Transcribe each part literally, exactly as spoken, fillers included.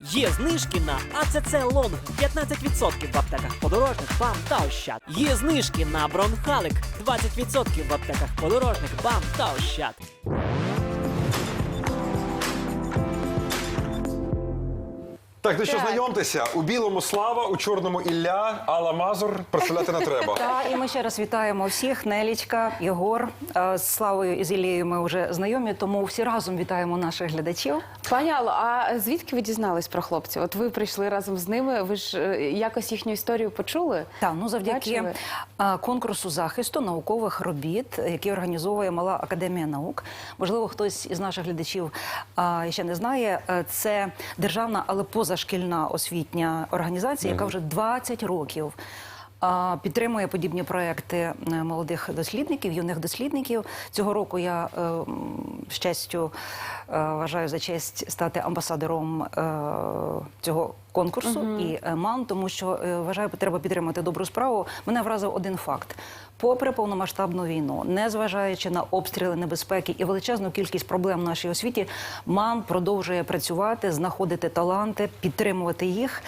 Є знижки на АЦЦ Лонг п'ятнадцять відсотків в аптеках подорожник, БАМ та Ощад. Є знижки на Бронхалик двадцять відсотків в аптеках подорожник, БАМ та Ощад. Так, ну що, знайомтеся. У білому Слава, у чорному Ілля, Алла Мазур. Представляти не треба. Так, і ми ще раз вітаємо всіх. Нелічка, Єгор. Е, З Славою і з Ілією ми вже знайомі, тому всі разом вітаємо наших глядачів. Пані Алло, а звідки ви дізнались про хлопців? От ви прийшли разом з ними, ви ж е, якось їхню історію почули? Так, ну завдяки Бачили? е, конкурсу захисту наукових робіт, який організовує Мала академія наук. Можливо, хтось із наших глядачів е, ще не знає. Е, Це державна, але позашкільна освітня організація, яка вже двадцять років а, підтримує подібні проекти е, молодих дослідників, юних дослідників. Цього року я е, м, з честю е, вважаю за честь стати амбасадором е, цього конкурсу і е, МАН, тому що е, вважаю, треба підтримати добру справу. Мене вразив один факт. Попри повномасштабну війну, незважаючи на обстріли, небезпеки і величезну кількість проблем в нашій освіті, МАН продовжує працювати, знаходити таланти, підтримувати їх.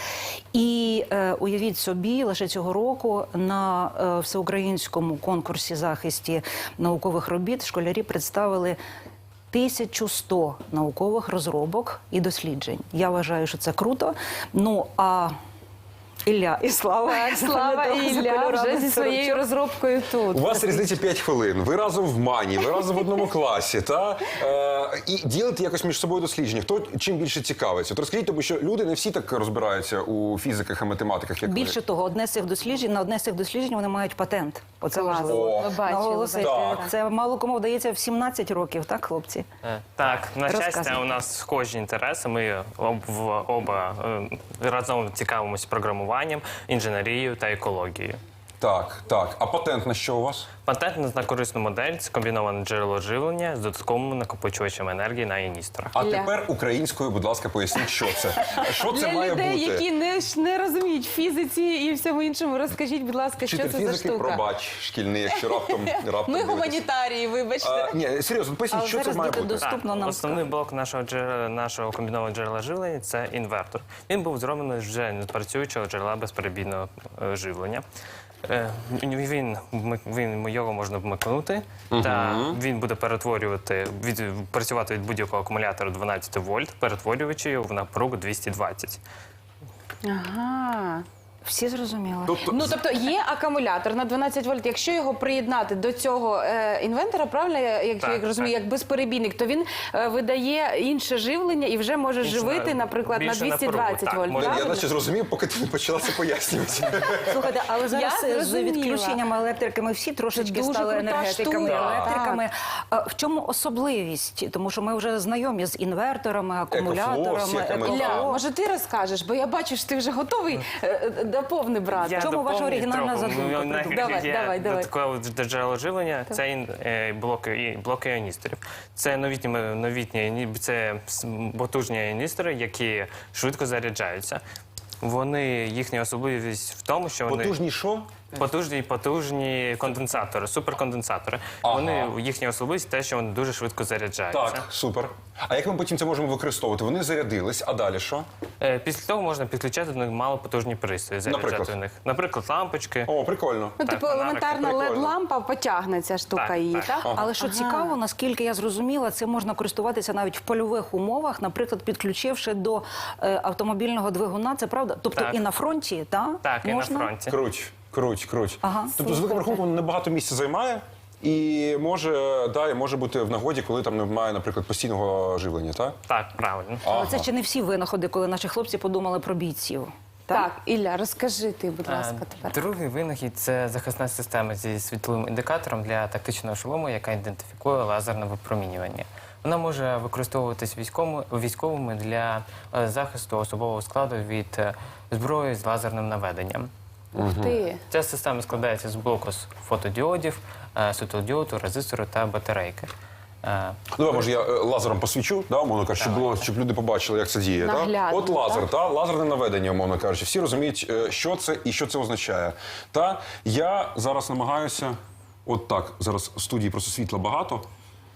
І е, уявіть собі, лише цього року на е, всеукраїнському конкурсі захисті наукових робіт школярі представили тисячу сто наукових розробок і досліджень. Я вважаю, що це круто. Ну, а Ілля і Слава. Так, Слава і Ілля вже зі своєю розробкою тут. У вас різниця п'ять хвилин. Ви разом в Мані, ви разом в одному класі. Та? Е, і ділите якось між собою дослідження. Хто чим більше цікавиться? От розкажіть, тому що люди не всі так розбираються у фізиках і математиках, як Більше ви. того, одне з цих досліджень, на одне з цих досліджень вони мають патент. Оце Клас. важливо Ми бачили, наголосити. так. Це мало кому вдається в сімнадцять років, так, хлопці? Е, Так, на щастя, Розказуй. у нас схожі інтереси. Ми об, в- оба е, разом цікавимося програмуванням, інженерією та екологією. Так, так. А патент на що у вас? Патент на корисну модель – це комбіноване джерело живлення з додатковим накопичувачем енергії на іністорах. А Ілля. тепер українською, будь ласка, поясніть, що це. Що це Для має людей, бути? які не, ж не розуміють фізиці і всьому іншому, розкажіть, будь ласка, що Вчитель це за фізики, штука? пробач, шкільний, якщо раптом, раптом Ми дивитесь. гуманітарії, вибачте. А, ні, серйозно, поясніть, Але що це зараз має діти бути? дос- Доступно нам Основний скажуть. блок нашого, джерела, нашого комбінованого джерела живлення – це інвертор. Він був зроблений вже не працюючого джерела безперебійного е, живлення. Е, Він, вмик- він, його можна вмикнути, та він буде перетворювати, від, працювати від будь-якого акумулятора дванадцять вольт, перетворюючи його в напругу двісті двадцять. Ага. Всі зрозуміли? Тобто, Ну, тобто є акумулятор на дванадцять вольт. Якщо його приєднати до цього е, інвентора, правильно, я- як, Так, як розумію, так. як безперебійник, то він е, видає інше живлення і вже може Інше, живити, наприклад, на більше двісті напругу, двадцять так, вольт. може. я Правильно? наче зрозумів, поки ти не почала це пояснювати. Слухайте, але зараз Я з зрозуміла. відключенням електрики ми всі трошечки Це дуже стали крута енергетиками, штука. електриками. А в чому особливість? Тому що ми вже знайомі з інверторами, акумуляторами, всякими, еко- Ілля, Так. може ти розкажеш, бо я бачу, що ти вже готовий е, е, доповни брати. Я В чому ваша доповню оригінальна трохи. задумка? Ну, Придумай. Давай, є давай, давай. додаткове джерело живлення – це ін- е, блоки, і- блоки іоністорів. Це новітні, новітні іні- це с- потужні іоністори, які швидко заряджаються. Вони, їхня особливість в тому, що вони Потужні що? потужні, потужні конденсатори, суперконденсатори. Ага. Вони, їхня особливість те, що вони дуже швидко заряджаються. Так, супер. А як ми потім це можемо використовувати? Вони зарядились, а далі що? Е, Після того можна підключати до них малопотужні пристрої, заряджати Наприклад? в них. Наприклад, лампочки. О, прикольно. Ну, Так, типу, фонарик. елементарна Прикольно. лед-лампа потягне ця штука Так, її, так. так? Але що цікаво, наскільки я зрозуміла, це можна користуватися навіть в польових умовах, наприклад, підключивши до е, автомобільного двигуна. Це правда? Тобто Так. і на фронті, та? Так, і можна? на фронті. Круть, круть, круть. Ага. Тобто, з великим рахунком, небагато місця займає. І може, да, і може бути в нагоді, коли там немає, наприклад, постійного живлення, так? Так, правильно. Але це ще не всі винаходи, коли наші хлопці подумали про бійців. Так, Ілля, розкажи ти, будь ласка, Е, тепер. Другий винахід – це захисна система зі світловим індикатором для тактичного шолому, яка ідентифікує лазерне випромінювання. Вона може використовуватись військовими, військовими для е, захисту особового складу від е, зброї з лазерним наведенням. Ух ти. Ця система складається з блоку з фотодіодів, е, світлодіоду, резистору та батарейки. Е, Ну, давай, може, я е, лазером посвічу, да, умовно кажучи, щоб, було, щоб люди побачили, як це діє. Да? Наглядно, От лазер, так? та? Лазерне наведення, умовно кажучи. Всі розуміють, е, що це і що це означає. Та? Я зараз намагаюся, от так, зараз в студії просто світла багато,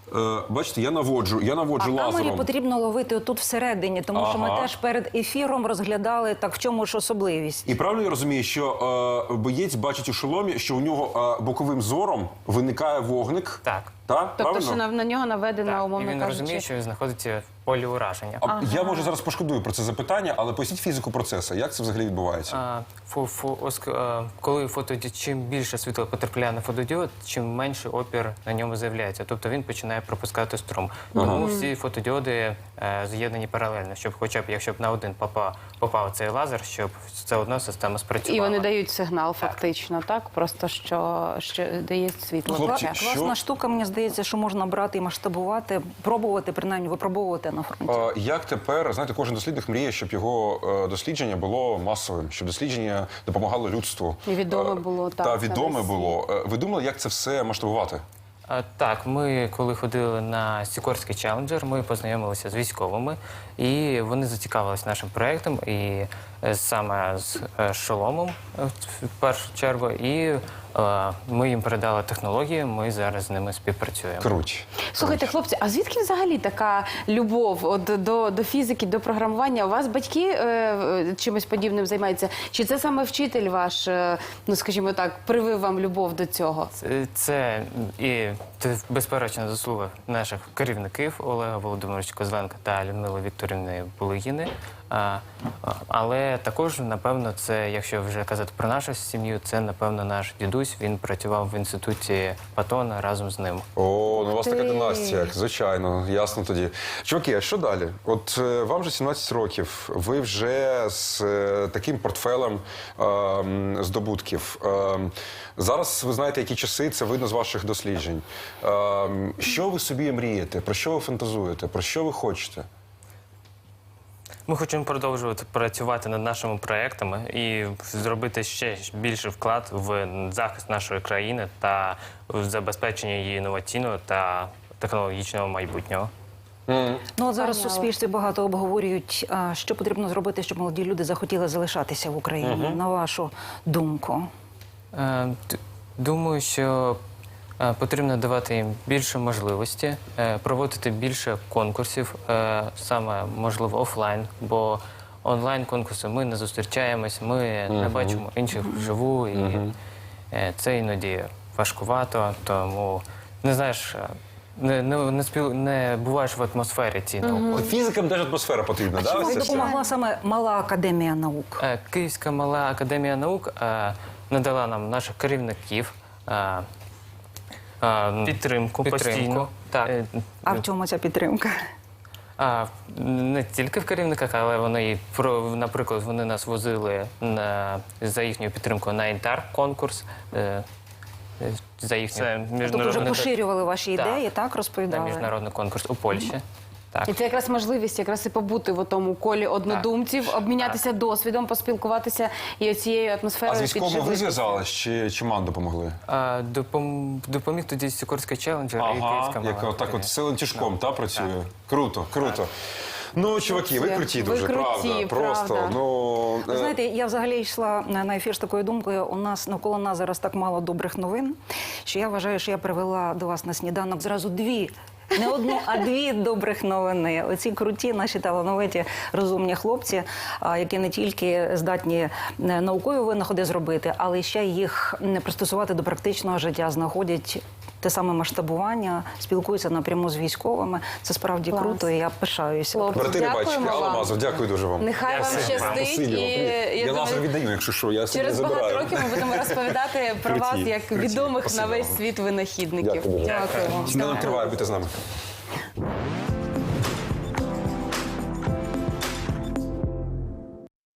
Е, бачите, я наводжу, я наводжу А камері лазером. потрібно ловити отут всередині, тому що ми Ага. теж перед ефіром розглядали, так в чому ж особливість. І правильно я розумію, що е, боєць бачить у шоломі, що у нього е, боковим зором виникає вогник. Так. Та? Тобто, Правильно? що на, на нього наведено, Так, і умовно він кажучи. розуміє, що він знаходиться в полі ураження. А Я може зараз пошкодую про це запитання, але поясніть фізику процесу. Як це взагалі відбувається? А, фу, фу, оск- а, коли фотоді... чим більше світла потрапляє на фотодіод, чим менший опір на ньому з'являється. Тобто він починає пропускати струм. Тому всі фотодіоди е, з'єднані паралельно, щоб хоча б, якщо б на один попав, попав цей лазер, щоб все одно система спрацювала. І вони дають сигнал, фактично, так? Просто що, що дає світло. Хлопці, Так. що- Класна штука, мені здається, що можна брати і масштабувати, пробувати, принаймні випробовувати на фронті. Е, Як тепер, знаєте, кожен дослідник мріє, щоб його е, дослідження було масовим, щоб дослідження допомагало людству. І відоме Е, було, так, Та це відоме весь було. Е, Ви думали, як це все масштабувати? А, Так, ми коли ходили на Сікорський челенджер, ми познайомилися з військовими, і вони зацікавилися нашим проєктом, і е, саме з е, шоломом е, в першу чергу, і е, ми їм передали технології, ми зараз з ними співпрацюємо. Круть. Слухайте, хлопці, а звідки взагалі така любов от, до, до фізики, до програмування? У вас батьки е, е, чимось подібним займаються? Чи це саме вчитель ваш, е, ну скажімо так, привив вам любов до цього? Це, це і це безперечна заслуга наших керівників Олега Володимировича Козленка та Людмили Вікторівни Булигіни. А, а, але також, напевно, це, якщо вже казати про нашу сім'ю, це, напевно, наш дідусь. Він працював в інституті Патона разом з ним. О, ну у вас така Ти. династія, звичайно, ясно тоді. Чуваки, а що далі? От е, вам вже сімнадцять років, ви вже з е, таким портфелем е, м, здобутків. Е, м, зараз ви знаєте, які часи, це видно з ваших досліджень. Е, м, що ви собі мрієте? Про що ви фантазуєте? Про що ви хочете? Ми хочемо продовжувати працювати над нашими проектами і зробити ще більший вклад в захист нашої країни та в забезпечення її інноваційного та технологічного майбутнього. Ну, от зараз в Поняла. суспільстві багато обговорюють, а, що потрібно зробити, щоб молоді люди захотіли залишатися в Україні, на вашу думку. Е, д- Думаю, що е, потрібно давати їм більше можливості, е, проводити більше конкурсів, е, саме можливо офлайн, бо онлайн конкурси ми не зустрічаємось, ми не бачимо інших вживу, і е, це іноді важкувато, тому не знаєш. е, Не, не, не, спіл... не буваєш в атмосфері цій науки. Фізикам теж атмосфера потрібна, да? Чому ось це все? допомогла саме Мала академія наук? Е, Київська мала академія наук е, надала нам наших керівників е, е, підтримку, постійно. Так. Е, А в чому ця підтримка? А, не тільки в керівниках, але вони, і про, наприклад, вони нас возили на, за їхньою підтримкою на інтар-конкурс. Е, е, за їхню Тобто вже міжнародний, поширювали ваші Так. ідеї, так, на розповідали? міжнародний конкурс у Польщі. Так. І це якраз можливість якраз і побути в тому колі однодумців, обмінятися досвідом, поспілкуватися і оцією А атмосферою з військовими ви підживитися. зв'язались чи, чи ман допомогли? А, допом, допоміг тоді Сікорський челенджер і Київська Ага, мала яка так академія. от силен тяжком, та, працює? Круто, круто. Ну, чуваки, ви Це- круті ви дуже, круті, правда. Просто, правда. ну... Ви е, знаєте, я взагалі йшла на на ефір з такою думкою. У нас навколо нас зараз так мало добрих новин, що я вважаю, що я привела до вас на сніданок зразу дві. Не одну, а дві добрих новини. Оці круті, наші талановиті, розумні хлопці, а, які не тільки здатні е, наукові винаходи зробити, але ще їх м, пристосувати до практичного життя, знаходять те саме масштабування, спілкуються напряму з військовими. Це справді Клас. круто, і я пишаюся. Хлопці, Брати рибачки, дякуємо Алла вам. Мазур, дякую дуже вам. Нехай вам Дякую. щастить. Спасибі І, вам, привіт. я Я лазер думаю, віддаю, якщо що, я собі через не багато забираю. років ми будемо розповідати про вас Круті, як круті. відомих на Спасибо весь вам. світ винахідників. Дякую дуже. Дякую. Сніданок триває, будьте з нами.